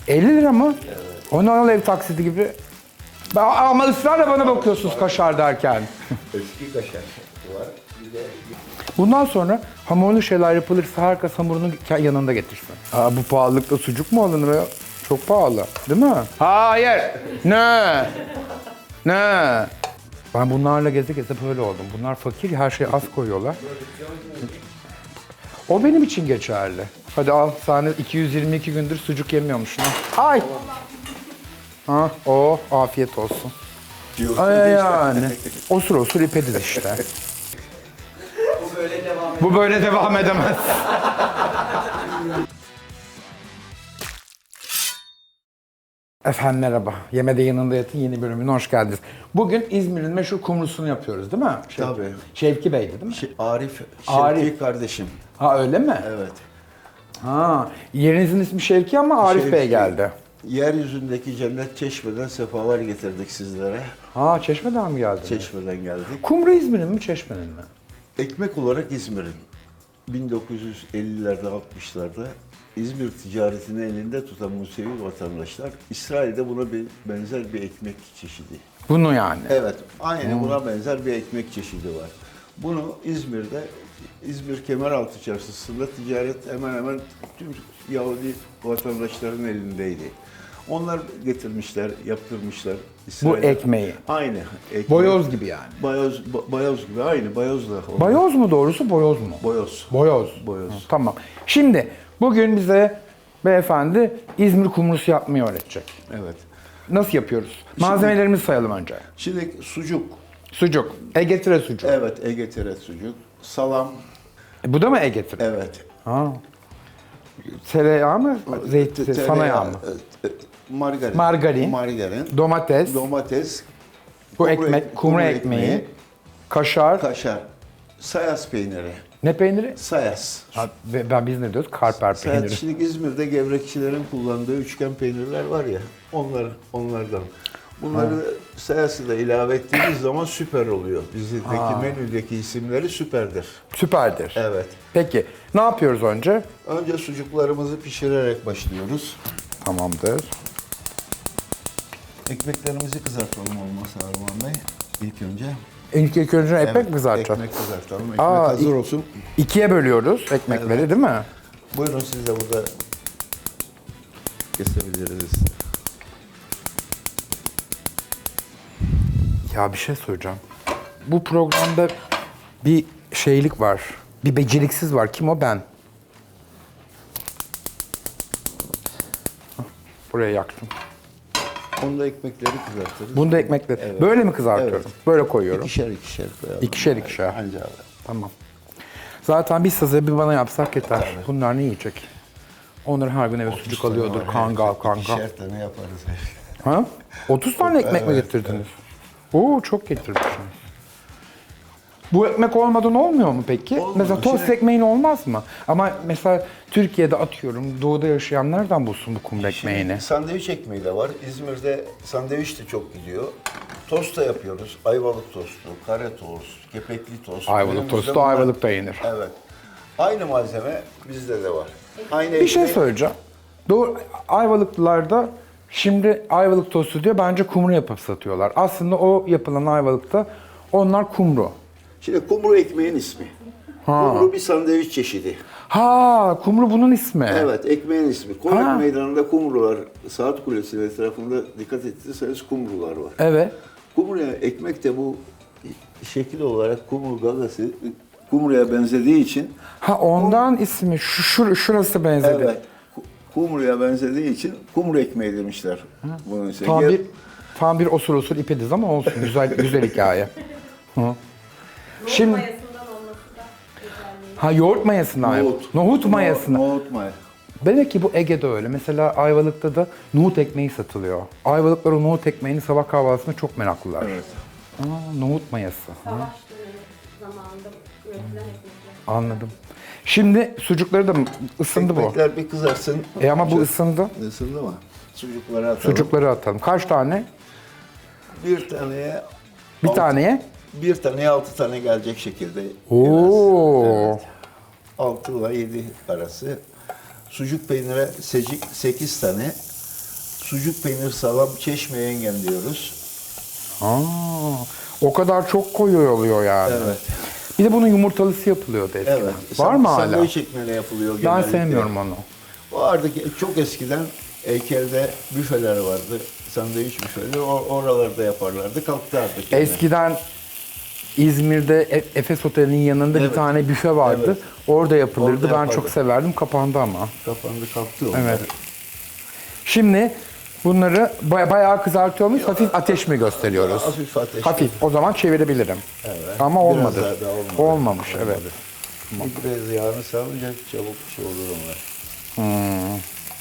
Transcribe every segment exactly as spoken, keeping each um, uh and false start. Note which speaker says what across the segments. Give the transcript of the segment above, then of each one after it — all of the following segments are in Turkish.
Speaker 1: elli lira mı? Evet. Onu al ev taksidi gibi. Ama ısrarla bana bakıyorsunuz kaşar derken.
Speaker 2: Eski kaşar var. Bir de...
Speaker 1: Bundan sonra hamurlu şeyler yapılırsa herkes hamurunu yanında getirsin. Aa, bu pahalılıkta sucuk mu alınır ya? Çok pahalı, değil mi? Hayır. Ne? Ne? Ben bunlarla geze geze böyle oldum. Bunlar fakir, her şeyi az koyuyorlar. O benim için geçerli. Hadi al, sen iki yüz yirmi iki gündür sucuk yemiyormuşsun. Ay! Ha, oh, afiyet olsun. Ay yani. Osur osur ipediz işte.
Speaker 3: Bu böyle devam
Speaker 1: Bu böyle devam edemez. Efendim merhaba. Yemede yanında yatın yeni bölümüne hoş geldiniz. Bugün İzmir'in meşhur kumrusunu yapıyoruz değil mi? Şevki,
Speaker 2: Tabii.
Speaker 1: Şevki Bey'di değil mi?
Speaker 2: Şey, Arif,
Speaker 1: Arif.
Speaker 2: Şevki kardeşim.
Speaker 1: Ha öyle mi?
Speaker 2: Evet.
Speaker 1: Ha, yerinizin ismi Şevki ama Arif
Speaker 2: Şevki.
Speaker 1: Bey geldi.
Speaker 2: Yeryüzündeki cennet Çeşme'den sefalar getirdik sizlere.
Speaker 1: Ha, Çeşme'den mi geldi?
Speaker 2: Çeşme'den geldik.
Speaker 1: Kumru İzmir'in mi Çeşme'nin mi?
Speaker 2: Ekmek olarak İzmir'in. bin dokuz yüz ellilerde, altmışlarda İzmir ticaretini elinde tutan Musevi vatandaşlar İsrail'de buna bir benzer bir ekmek çeşidi.
Speaker 1: Bunu yani.
Speaker 2: Evet, aynı buna benzer bir ekmek çeşidi var. Bunu İzmir'de, İzmir Kemeraltı Çarşısı'nda ticaret hemen hemen tüm Yahudi vatandaşların elindeydi. Onlar getirmişler, yaptırmışlar.
Speaker 1: Bu
Speaker 2: İsrail'e.
Speaker 1: ekmeği.
Speaker 2: Aynı. Ekmek.
Speaker 1: Boyoz gibi yani.
Speaker 2: Bayoz, ba- bayoz gibi, aynı bayozla. oldu.
Speaker 1: Bayoz mu doğrusu, boyoz mu?
Speaker 2: Boyoz.
Speaker 1: Boyoz.
Speaker 2: Boyoz.
Speaker 1: Ha, tamam. Şimdi bugün bize beyefendi İzmir kumrusu yapmayı öğretecek.
Speaker 2: Evet.
Speaker 1: Nasıl yapıyoruz? Malzemelerimizi sayalım önce.
Speaker 2: Şimdi sucuk.
Speaker 1: Sucuk. Ege tire sucuk.
Speaker 2: Evet, Ege Teret sucuk. Salam.
Speaker 1: E, bu da mı Ege tire?
Speaker 2: Evet.
Speaker 1: Ha. Tereyağı mı? Zeytin,
Speaker 2: Tereyağı,
Speaker 1: sana yağ mı?
Speaker 2: e, e, Margarin.
Speaker 1: Margarin.
Speaker 2: Margarin.
Speaker 1: Domates.
Speaker 2: Domates.
Speaker 1: Bu
Speaker 2: kumru
Speaker 1: ekmek,
Speaker 2: ek-
Speaker 1: kumru ekmeği. Kaşar.
Speaker 2: Kaşar. Sayas peyniri.
Speaker 1: Ne peyniri?
Speaker 2: Sayas.
Speaker 1: Ha, ve ben biz ne diyoruz? Karper
Speaker 2: Sayas,
Speaker 1: peyniri.
Speaker 2: şimdi İzmir'de gevrekçilerin kullandığı üçgen peynirler var ya, onlar onlardan. Bunları sayası da ilave ettiğimiz zaman süper oluyor. Bizdeki menüdeki isimleri süperdir.
Speaker 1: Süperdir.
Speaker 2: Evet.
Speaker 1: Peki ne yapıyoruz önce?
Speaker 2: Önce sucuklarımızı pişirerek başlıyoruz.
Speaker 1: Tamamdır.
Speaker 2: Ekmeklerimizi kızartalım olmazsa Arman Bey. İlk önce.
Speaker 1: İlk, ilk önce ekmek
Speaker 2: Evet,
Speaker 1: mi kızartacağız?
Speaker 2: Ekmek kızartalım. Ekmek
Speaker 1: Aa,
Speaker 2: hazır
Speaker 1: ik-
Speaker 2: olsun.
Speaker 1: İkiye bölüyoruz ekmekleri değil mi?
Speaker 2: Buyurun siz de burada kesebiliriz.
Speaker 1: Ya bir şey söyleyeceğim. Bu programda bir şeylik var. Bir beceriksiz var. Kim o? Ben. Hah, buraya yaktım.
Speaker 2: Onu da ekmekleri kızartırız.
Speaker 1: Bunu da ekmekle.
Speaker 2: Evet.
Speaker 1: Böyle mi kızartıyorum?
Speaker 2: Evet.
Speaker 1: Böyle koyuyorum.
Speaker 2: İkişer ikişer koyalım.
Speaker 1: İkişer ikişer.
Speaker 2: Anca abi.
Speaker 1: Tamam. Zaten bir size bir bana yapsak yeter. Bunlar ne yiyecek? Onları her gün eve sucuk alıyordur. Kangal kangal.
Speaker 2: İkişer tane yaparız.
Speaker 1: Ha? otuz tane ekmek mi
Speaker 2: Evet,
Speaker 1: getirdiniz? Oo çok getirmişsiniz. Bu ekmek olmadan olmuyor mu peki?
Speaker 2: Olmaz.
Speaker 1: Mesela tost
Speaker 2: Şimdi-
Speaker 1: ekmeğin olmaz mı? Ama mesela Türkiye'de atıyorum doğuda yaşayan nereden bulsun bu kumru ekmeğini?
Speaker 2: Şimdi sandviç ekmeği de var. İzmir'de sandviç de çok gidiyor. Tost da yapıyoruz. Ayvalık tostu, kare tost, kepekli tost.
Speaker 1: Ayvalık
Speaker 2: Önümüzde
Speaker 1: tostu,
Speaker 2: bunlar-
Speaker 1: ayvalıkta yenir.
Speaker 2: Evet. Aynı malzeme bizde de var. Aynı
Speaker 1: Bir şey
Speaker 2: ekmek-
Speaker 1: söyleyeceğim. Doğru, Ayvalıklılarda şimdi Ayvalık tostu diyor, bence kumru yapıp satıyorlar. Aslında o yapılan Ayvalık'ta onlar kumru.
Speaker 2: Şimdi kumru ekmeğin ismi. Kumru bir sandviç çeşidi.
Speaker 1: Ha, kumru bunun ismi.
Speaker 2: Evet, ekmeğin ismi. Konak
Speaker 1: Ha.
Speaker 2: Meydanı'nda kumrular, Saat Kulesi'nin etrafında dikkat ettiyseniz kumrular var.
Speaker 1: Evet.
Speaker 2: Kumruya ekmek de bu şekil olarak kumru gagası kumruya benzediği için
Speaker 1: Ha ondan ismi şu, şu şurası benzedi.
Speaker 2: evet ku- kumruya benzediği için kumru ekmeği demişler. Bunun için.
Speaker 1: Tam
Speaker 2: Ger-
Speaker 1: bir tam bir osur osur ipediz ama olsun güzel güzel hikaye. Hı. Şimdi
Speaker 4: Mayasından olması da güzelliği.
Speaker 1: ha yoğurt mayasına.
Speaker 2: Nohut.
Speaker 1: Nohut mayasına.
Speaker 2: Nohut maya.
Speaker 1: Demek ki bu Ege'de öyle. Mesela Ayvalık'ta da nohut ekmeği satılıyor. Ayvalıklar o nohut ekmeğini sabah kahvaltısında çok meraklılar.
Speaker 2: Evet.
Speaker 1: Aa, nohut mayası.
Speaker 4: Savaş dönemi zamanında üretilen ekmekler.
Speaker 1: Anladım. Şimdi sucukları da mı ısındı bu?
Speaker 2: Ekmekler bir kızarsın.
Speaker 1: E ama bu ısındı.
Speaker 2: Isındı mı? Sucukları atalım.
Speaker 1: Sucukları atalım. Kaç tane?
Speaker 2: Bir taneye
Speaker 1: Bir
Speaker 2: altı-
Speaker 1: taneye.
Speaker 2: bir taneye altı tane gelecek şekilde.
Speaker 1: Oo.
Speaker 2: Evet. altı ile yedi arası. Sucuk peynire sekiz tane. sucuk peynir salam çeşme yengen diyoruz.
Speaker 1: Aa, o kadar çok koyu oluyor yani.
Speaker 2: Evet.
Speaker 1: Bir de bunun yumurtalısı yapılıyordu eskiden.
Speaker 2: Evet.
Speaker 1: Var mı hala?
Speaker 2: Sandviç ekmeğine yapılıyor
Speaker 1: Ben
Speaker 2: genellikle.
Speaker 1: sevmiyorum onu.
Speaker 2: Vardı ki çok eskiden Heykel'de büfeler vardı. Sandviç büfeleri. O- oralarda yaparlardı. Kalktı artık. yani.
Speaker 1: Eskiden İzmir'de E- Efes Oteli'nin yanında bir
Speaker 2: Evet.
Speaker 1: tane büfe vardı.
Speaker 2: Evet.
Speaker 1: Orada yapılırdı.
Speaker 2: Orada
Speaker 1: ben
Speaker 2: yapardı.
Speaker 1: çok severdim. Kapandı ama.
Speaker 2: Kapandı kalktı onlar.
Speaker 1: Evet. Şimdi bunları baya- bayağı kızartıyor muyuz? Hafif ateş mi gösteriyoruz?
Speaker 2: Hafif ateş.
Speaker 1: Hafif. O zaman çevirebilirim.
Speaker 2: Evet.
Speaker 1: Ama
Speaker 2: Biraz
Speaker 1: olmadı.
Speaker 2: daha da olmadı.
Speaker 1: Olmamış, evet.
Speaker 2: Biraz yağını salınca çabuk şey olur onlar.
Speaker 1: Hmm.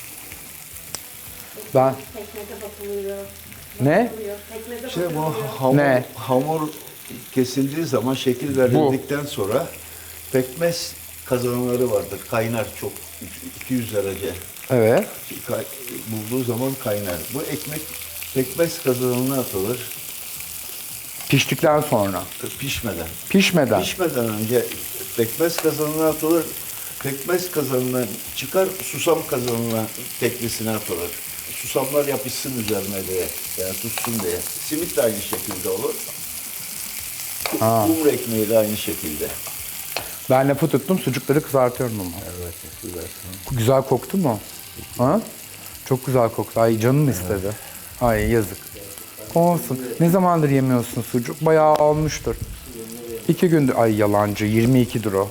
Speaker 1: Ben
Speaker 4: Pekmeze bakılıyor.
Speaker 1: ne?
Speaker 4: Bakılıyor. Pekmeze
Speaker 2: İşte bu
Speaker 4: bakılıyor.
Speaker 2: hamur,
Speaker 1: Ne?
Speaker 2: hamur kesildiği zaman şekil verildikten sonra pekmez kazanları vardır. Kaynar çok iki yüz derece.
Speaker 1: Evet.
Speaker 2: Kay- bulduğu zaman kaynar. Bu ekmek pekmez kazanına atılır
Speaker 1: Piştikten sonra.
Speaker 2: pişmeden.
Speaker 1: Pişmeden.
Speaker 2: Pişmeden önce pekmez kazanına atılır. Pekmez kazanından çıkar, susam kazanına teklisine atılır. Susamlar yapışsın üzerine diye, yani tutsun diye. Simit de aynı şekilde olur.
Speaker 1: Ha.
Speaker 2: Kumru ekmeği de aynı şekilde.
Speaker 1: Ben lafı tuttum, sucukları kızartıyorum ama.
Speaker 2: Evet, güzel.
Speaker 1: Güzel koktu mu? Ha? Çok güzel koktu. Ay canım istedi. Ay yazık. Olsun. Ne zamandır yemiyorsun sucuk? Bayağı olmuştur. İki gündür. Ay yalancı. yirmi ikidir o.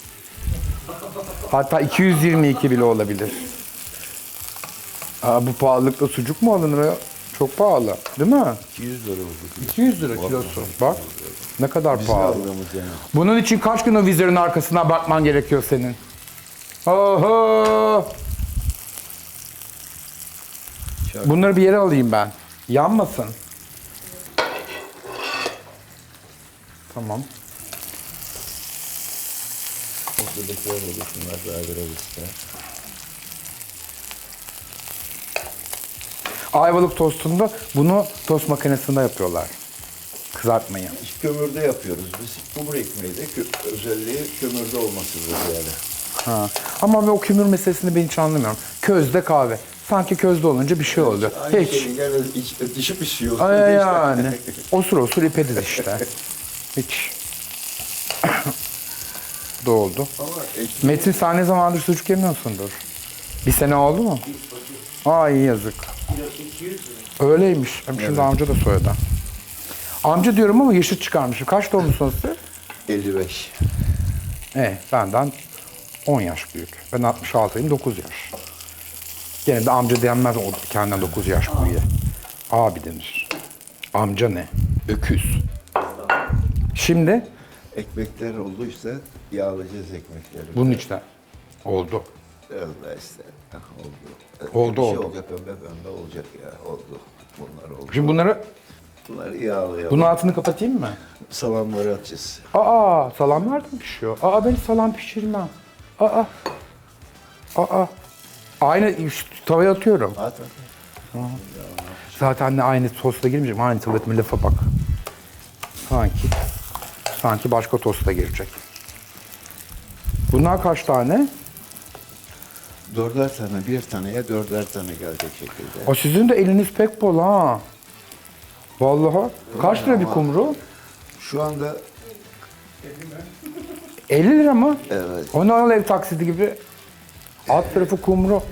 Speaker 1: Hatta iki yüz yirmi iki bile olabilir. Aa, bu pahalılıkta sucuk mu alınır ya? Çok pahalı. Değil mi?
Speaker 2: iki yüz lira oldu.
Speaker 1: iki yüz lira kilosu. Bak. Ne kadar
Speaker 2: Bizim
Speaker 1: pahalı.
Speaker 2: aldığımız yani.
Speaker 1: Bunun için kaç gün o vizörün arkasına bakman gerekiyor senin? Oho! Bunları bir yere alayım ben. Yanmasın. Tamam.
Speaker 2: Ortadakiler oldu, şunlar daha biraz ister.
Speaker 1: Ayvalık tostunda bunu tost makinesinde yapıyorlar. Kızartmayı.
Speaker 2: Kömürde yapıyoruz biz. Kumru ekmeği de kö- özelliği kömürde olmasıdır yani.
Speaker 1: Ha. Ama ben o kömür meselesini ben hiç anlamıyorum. Közde kahve. Sanki közde olunca bir şey oluyor.
Speaker 2: Aynı
Speaker 1: Hiç.
Speaker 2: şey, yani iç, dışı pişiyor.
Speaker 1: Ay yani. Osur osur ipediz işte. Hiç. Bu da oldu.
Speaker 2: Ama ekmek
Speaker 1: Metin sen ne zamandır sucuk yemiyorsundur? Bir sene oldu mu? Ay yazık. Öyleymiş. Hem şimdi amca da soyadı. Amca diyorum ama yaşıt çıkarmışım. Kaç doğumlusunuz siz?
Speaker 2: elli beş.
Speaker 1: E, benden on yaş büyük. Ben altmış altıyım, dokuz yaş. Gene de amca denmez o kendinden dokuz yaş büyüğe. Abi denir. Amca ne? Öküz. Şimdi
Speaker 2: Ekmekler oldu işte, yağlayacağız ekmekleri.
Speaker 1: bunun içine oldu.
Speaker 2: Öyle işte, ah, oldu.
Speaker 1: Oldu,
Speaker 2: Bir şey
Speaker 1: oldu.
Speaker 2: olacak, pembe pembe olacak ya, oldu. Bunlar oldu.
Speaker 1: Şimdi bunları,
Speaker 2: Bunları yağlayalım.
Speaker 1: bunun altını kapatayım mı?
Speaker 2: Salamları atacağız.
Speaker 1: Aa, salam nereden pişiyor? Aa, ben salam pişirmem. Aa, aa. Aynı şu tavaya atıyorum.
Speaker 2: At at.
Speaker 1: Zaten de aynı tosta girmeyecek. Aynı tavaya lafa bak. Sanki, sanki başka tosta girecek. Bunlar kaç tane?
Speaker 2: Dörder tane, bir taneye dörder tane gelecek şekilde.
Speaker 1: O sizin de eliniz pek bol ha. Vallahi. Kaç lira bir kumru?
Speaker 2: Şu anda
Speaker 1: elli lira mı?
Speaker 2: evet,
Speaker 1: Onu al ev taksidi gibi. Alt tarafı kumru.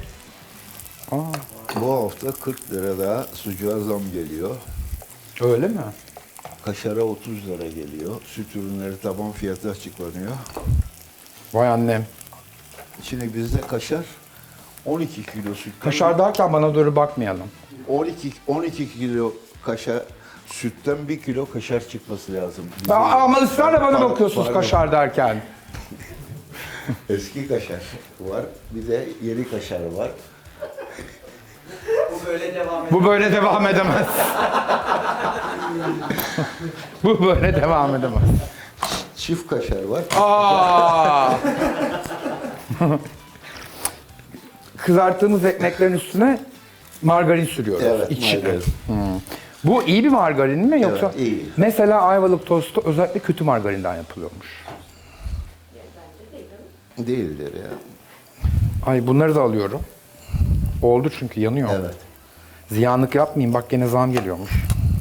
Speaker 2: bu hafta kırk lira daha sucuğa zam geliyor.
Speaker 1: Öyle mi?
Speaker 2: Kaşara otuz lira geliyor. Süt ürünleri taban fiyatı açıklanıyor.
Speaker 1: Vay annem.
Speaker 2: Şimdi bizde kaşar on iki kilo süt.
Speaker 1: Kaşar derken bana doğru bakmayalım.
Speaker 2: on iki on iki kilo kaşar sütten bir kilo kaşar çıkması lazım. Bize-
Speaker 1: Aa, ama ısrarla bana
Speaker 2: Pardon,
Speaker 1: bakıyorsunuz
Speaker 2: pardon.
Speaker 1: kaşar derken.
Speaker 2: Eski kaşar var. Bir de yeni kaşar var.
Speaker 3: Bu böyle devam ediyor.
Speaker 1: Bu böyle devam edemez. Bu böyle devam edemez.
Speaker 2: Çift kaşar var.
Speaker 1: Aa! Kızarttığımız ekmeklerin üstüne margarin sürüyoruz.
Speaker 2: Evet,
Speaker 1: İçine.
Speaker 2: margarin.
Speaker 1: Bu iyi bir margarin mi yoksa?
Speaker 2: Evet, iyi.
Speaker 1: Mesela ayvalık tostu özellikle kötü margarinden yapılıyormuş.
Speaker 2: Değildir ya.
Speaker 1: Ay bunları da alıyorum. Oldu çünkü yanıyor.
Speaker 2: Evet.
Speaker 1: Ziyanlık yapmayayım. Bak gene zam geliyormuş.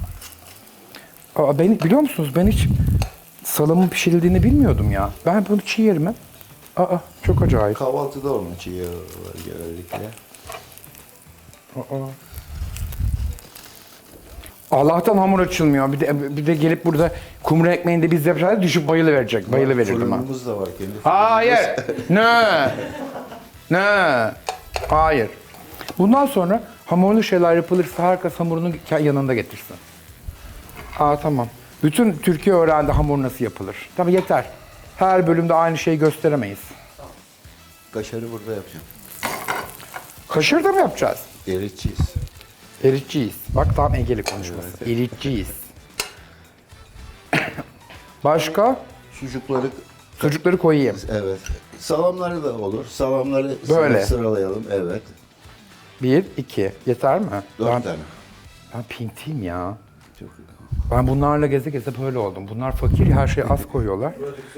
Speaker 1: Aa, beni, biliyor musunuz ben hiç salamın pişirildiğini bilmiyordum ya. Ben bunu çiğ yerim hep. Aa, çok acayip.
Speaker 2: Kahvaltıda onun çiğ yağı var genellikle.
Speaker 1: Aa. Allah'tan hamur açılmıyor. Bir de, bir de gelip burada kumru ekmeğinde biz yapacağız düşüp bayılı verecek. Bayılı verirdim ha.
Speaker 2: Fırınımız da var kendi.
Speaker 1: Hayır. Ne? Ne? Hayır. Bundan sonra hamurlu şeyler yapılırsa herkes hamurunu ke- yanında getirsin. Aa tamam. Bütün Türkiye öğrendi hamur nasıl yapılır. Tabii yeter. Her bölümde aynı şeyi gösteremeyiz.
Speaker 2: Kaşarı burada yapacağım.
Speaker 1: Kaşır da mı yapacağız?
Speaker 2: Eritçiyiz.
Speaker 1: Eritçiyiz. Bak tam Egeli konuşması. Eritçiyiz. Başka?
Speaker 2: Sucukları,
Speaker 1: Sucukları koyayım.
Speaker 2: evet. Salamları da olur. Salamları
Speaker 1: Böyle.
Speaker 2: sıralayalım. Evet.
Speaker 1: Bir, iki. Yeter mi?
Speaker 2: Dört
Speaker 1: ben,
Speaker 2: tane.
Speaker 1: ben pintiyim ya.
Speaker 2: Çok
Speaker 1: Ben bunlarla geze geze böyle oldum. Bunlar fakir, her şeyi az koyuyorlar.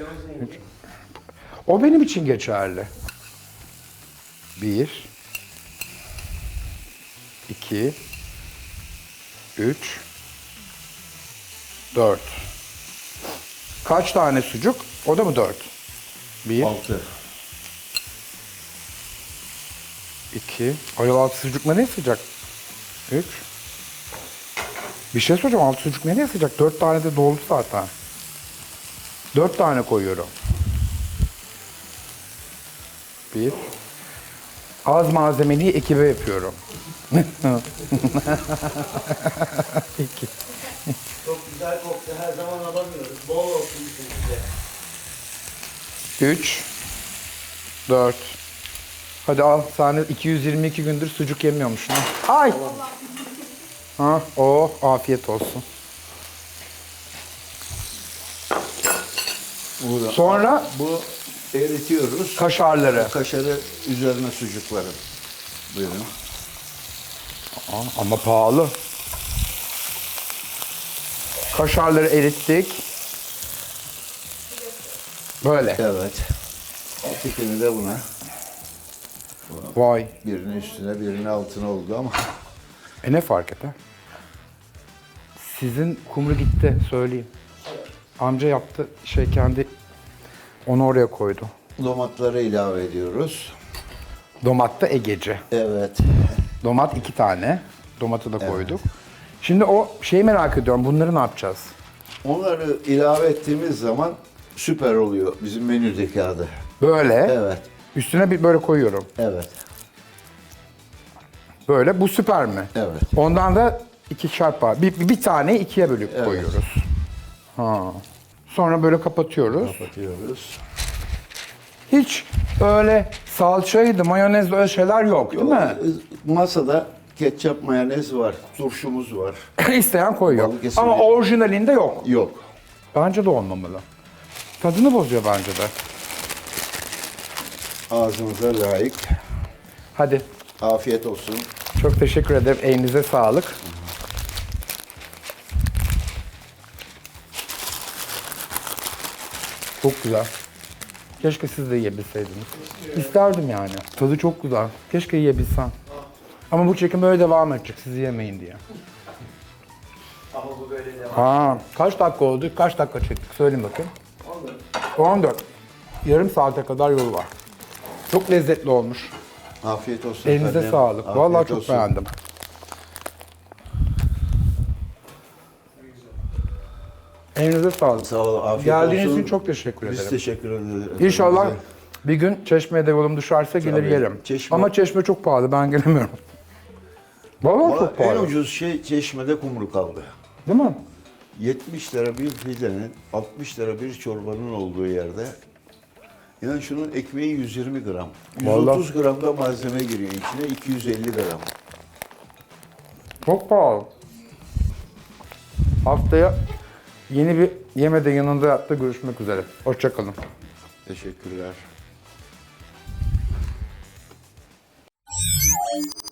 Speaker 1: O benim için geçerli. Bir, iki, üç, dört. Kaç tane sucuk? O da mı dört? Bir,
Speaker 2: altı.
Speaker 1: iki. Ay altı sucuk nereye sıcak? Üç. Bir şey soracağım. Altı sucuk nereye sıcak? Dört tane de doldu zaten. Dört tane koyuyorum. Bir. Az malzemeliyi ekibe yapıyorum. İki.
Speaker 3: Çok güzel koktu. Her zaman alamıyoruz. Bol olsun size.
Speaker 1: Üç. Dört. Hadi al. Sen de iki yüz yirmi iki gündür sucuk yemiyormuşsun. ha. Ay. Ha, oh, afiyet olsun.
Speaker 2: Burada.
Speaker 1: Sonra
Speaker 2: Bu eritiyoruz.
Speaker 1: kaşarları.
Speaker 2: Kaşarı üzerine sucukları. Buyurun.
Speaker 1: Aa, ama pahalı. Kaşarları erittik. Böyle.
Speaker 2: Evet. İkini de buna.
Speaker 1: Vay.
Speaker 2: Birinin üstüne birinin altına oldu ama.
Speaker 1: E ne fark eder? Sizin kumru gitti söyleyeyim. Amca yaptı şey kendi onu oraya koydu.
Speaker 2: Domatları ilave ediyoruz.
Speaker 1: Domat da Egeci.
Speaker 2: Evet.
Speaker 1: Domat iki tane. Domatı da koyduk. Şimdi o şeyi merak ediyorum. Bunları ne yapacağız?
Speaker 2: Onları ilave ettiğimiz zaman süper oluyor bizim menüdeki adı.
Speaker 1: Böyle.
Speaker 2: Evet.
Speaker 1: Üstüne bir böyle koyuyorum.
Speaker 2: Evet.
Speaker 1: Böyle. Bu süper mi?
Speaker 2: Evet.
Speaker 1: Ondan da iki çarpı. Bir, bir tane ikiye bölüp
Speaker 2: Evet.
Speaker 1: koyuyoruz. Ha. Sonra böyle kapatıyoruz.
Speaker 2: Kapatıyoruz.
Speaker 1: Hiç öyle salçaydı, mayonezli öyle şeyler yok değil mi?
Speaker 2: Masada ketçap, mayonez var, turşumuz var.
Speaker 1: İsteyen koyuyor.
Speaker 2: Balıkesirli-
Speaker 1: Ama orijinalinde yok.
Speaker 2: Yok.
Speaker 1: Bence de olmamalı. Tadını bozuyor bence de.
Speaker 2: Ağzımıza layık.
Speaker 1: Hadi.
Speaker 2: Afiyet olsun.
Speaker 1: Çok teşekkür ederim. Elinize sağlık. Çok güzel. Keşke siz de yiyebilseydiniz. İsterdim yani. Tadı çok güzel. Keşke yiyebilsem. Ama bu çekim böyle devam edecek. Siz yemeyin diye.
Speaker 3: Ama bu böyle devam.
Speaker 1: Ha, kaç dakika oldu? Kaç dakika çektik? Söyleyin bakayım. on dört. Yarım saate kadar yolu var. Çok lezzetli olmuş.
Speaker 2: Afiyet olsun
Speaker 1: Elinize
Speaker 2: efendim.
Speaker 1: sağlık.
Speaker 2: Afiyet
Speaker 1: Vallahi çok
Speaker 2: olsun.
Speaker 1: beğendim. Elinize sağlık.
Speaker 2: Sağ olun. Afiyet
Speaker 1: Geldiğiniz
Speaker 2: olsun.
Speaker 1: için çok teşekkür
Speaker 2: Biz
Speaker 1: ederim.
Speaker 2: teşekkür ederiz.
Speaker 1: İnşallah
Speaker 2: efendim.
Speaker 1: bir gün Çeşme'ye de yolum düşerse gelir
Speaker 2: Tabii.
Speaker 1: yerim.
Speaker 2: Çeşme-
Speaker 1: Ama Çeşme çok pahalı. Ben gelemiyorum. Vallahi
Speaker 2: Ama
Speaker 1: çok
Speaker 2: en
Speaker 1: pahalı.
Speaker 2: ucuz şey Çeşme'de kumru kaldı.
Speaker 1: Değil mi?
Speaker 2: yetmiş lira bir pidenin, altmış lira bir çorbanın olduğu yerde. Yani şunun ekmeği yüz yirmi gram.
Speaker 1: Vallahi.
Speaker 2: yüz otuz gram da malzeme giriyor içine, iki yüz elli gram.
Speaker 1: Çok pahalı. Haftaya yeni bir yemede yanında yatta görüşmek üzere. Hoşçakalın.
Speaker 2: Teşekkürler.